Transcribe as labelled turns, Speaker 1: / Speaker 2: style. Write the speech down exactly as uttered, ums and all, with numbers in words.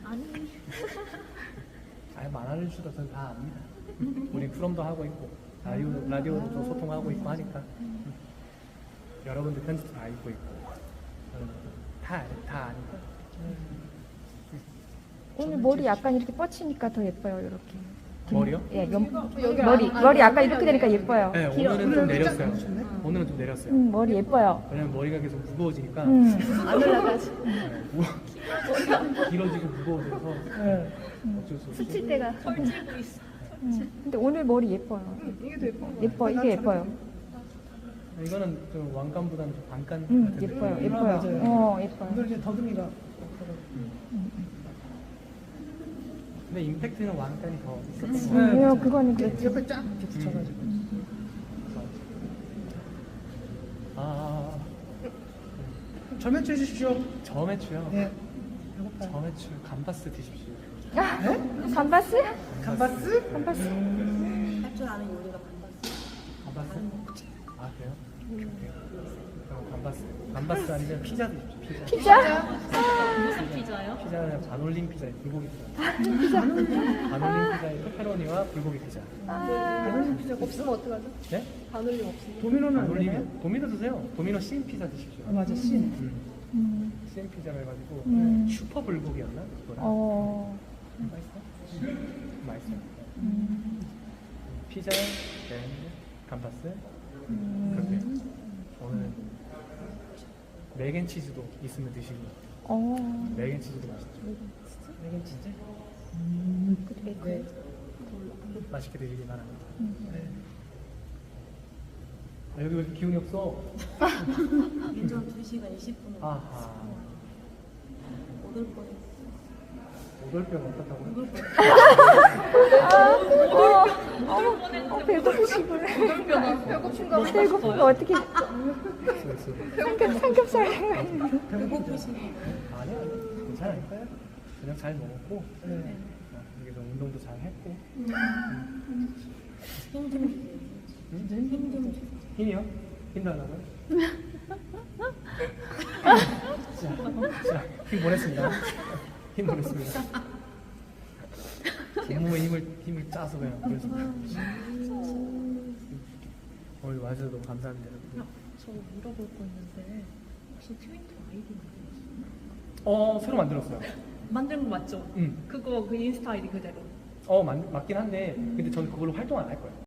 Speaker 1: 아니.
Speaker 2: 아예 말하는 수도 저는 다 압니다. 우리 프롬도 하고 있고 라디오 라디오도 소통하고 있고 하니까 여러분들 편집도 다 읽고 있고 저는 다다 아니까.
Speaker 3: 오늘 머리 약간 이렇게 뻗치니까 더 예뻐요, 이렇게.
Speaker 2: 머리요?
Speaker 3: 예, 염,
Speaker 1: 여기
Speaker 3: 머리,
Speaker 1: 안-
Speaker 3: 머리
Speaker 1: 안
Speaker 3: 약간 이렇게 되니까 예뻐요.
Speaker 2: 네, 오늘은 좀 내렸어요. 오늘은 좀 내렸어요.
Speaker 3: 음, 머리 예뻐요.
Speaker 2: 왜냐면 머리가 계속 무거워지니까
Speaker 3: 음,
Speaker 1: 안 올라가지.
Speaker 2: 네, 무- 길어지고 무거워져서
Speaker 3: 네.
Speaker 2: 어쩔 수 없이.
Speaker 1: 스칠 때가.
Speaker 3: 음. 근데 오늘 머리 예뻐요.
Speaker 4: 이게 더 예뻐.
Speaker 3: 예뻐, 이게 예뻐요.
Speaker 2: 이거는 좀 왕관보다는 좀 반관
Speaker 3: 음,
Speaker 2: 같은데.
Speaker 3: 예뻐요,
Speaker 4: 아,
Speaker 3: 예뻐요.
Speaker 4: 맞아요.
Speaker 3: 어,
Speaker 4: 오늘
Speaker 3: 예뻐요.
Speaker 4: 이제 더듬이가
Speaker 2: 근데 임팩트는 왕관이 더 있었던 것
Speaker 4: 네.
Speaker 2: 같아요.
Speaker 3: 음, 그거는 그렇죠.
Speaker 4: 옆에 쫙 이렇게 붙여가지고.
Speaker 2: 아,
Speaker 4: 점액 해주십시오.
Speaker 2: 저매추요.
Speaker 4: 네. 배고파요.
Speaker 2: 저매추 감바스 드십시오.
Speaker 3: 감바스?
Speaker 4: 감바스?
Speaker 3: 감바스.
Speaker 1: 할 줄 아는 요리가 반반.
Speaker 2: 감바스? 아 그래요? 오케이, 오케이. 그럼 감바스. 감바스 아니면 피자 드십시오. 피자.
Speaker 3: 피자?
Speaker 1: 무슨 피자요?
Speaker 2: 피자는 반올림 피자에 불고기 피자. 반올림 피자에 페페로니와 불고기 피자.
Speaker 4: 반올림 피자
Speaker 1: 없으면 어떡하죠?
Speaker 2: 네?
Speaker 1: 반올림 없으면.
Speaker 4: 도미노는 안 되나요?
Speaker 2: 반올림 도미노 드세요. 도미노 씬 피자 드십시오.
Speaker 4: 아, 맞아, 씬.
Speaker 2: 음.
Speaker 3: 음,
Speaker 2: 씬 피자를 해가지고
Speaker 3: 음.
Speaker 2: 슈퍼 불고기였나? 그거랑.
Speaker 3: 어,
Speaker 2: 맛있어? 맛있어.
Speaker 3: 음,
Speaker 2: 피자, 네, 감바스. 그렇게. 오늘 맥앤치즈도 있으면 드시고.
Speaker 3: 어.
Speaker 2: 맥앤치즈도 맛있죠.
Speaker 4: 이건 진짜?
Speaker 2: 네. 맛있게 드시기 바랍니다.
Speaker 4: 네.
Speaker 2: 아, 여기 왜 이렇게 기운이 없어?
Speaker 1: 운전 두 시간 이십 분.
Speaker 2: 아하.
Speaker 1: 못 올 뻔했어.
Speaker 2: 오돌뼈가 어떻다고요?
Speaker 1: 못 올 뻔했어.
Speaker 3: 어, 배고프시구나.
Speaker 1: 배고픈가 봐.
Speaker 3: 배고픈 거 어떻게.
Speaker 2: 있어, 있어.
Speaker 3: 삼겹, 삼겹살 생각이
Speaker 1: 배고프시네.
Speaker 2: 아니야, 괜찮아요. 그냥 잘 먹었고,
Speaker 4: 네.
Speaker 2: 어, 이게 좀 운동도 잘 했고.
Speaker 1: 힘좀
Speaker 2: 응?
Speaker 1: 힘좀
Speaker 2: 힘이요? 힘 달라고요? 자, 자, 힘 보냈습니다. 힘 보냈습니다. 온몸에 힘을, 힘을 짜서 그냥 보냈습니다. 오늘 와주셔서 너무 감사합니다. 여러분.
Speaker 1: 저 물어볼 거 있는데 혹시 트위터 아이디 만들었어요?
Speaker 2: 어, 새로 만들었어요.
Speaker 1: 만든 거 맞죠?
Speaker 2: 응.
Speaker 1: 그거 그 인스타 아이디 그대로.
Speaker 2: 어, 맞, 맞긴 한데, 근데 저는 그걸로 활동 안 할 거예요.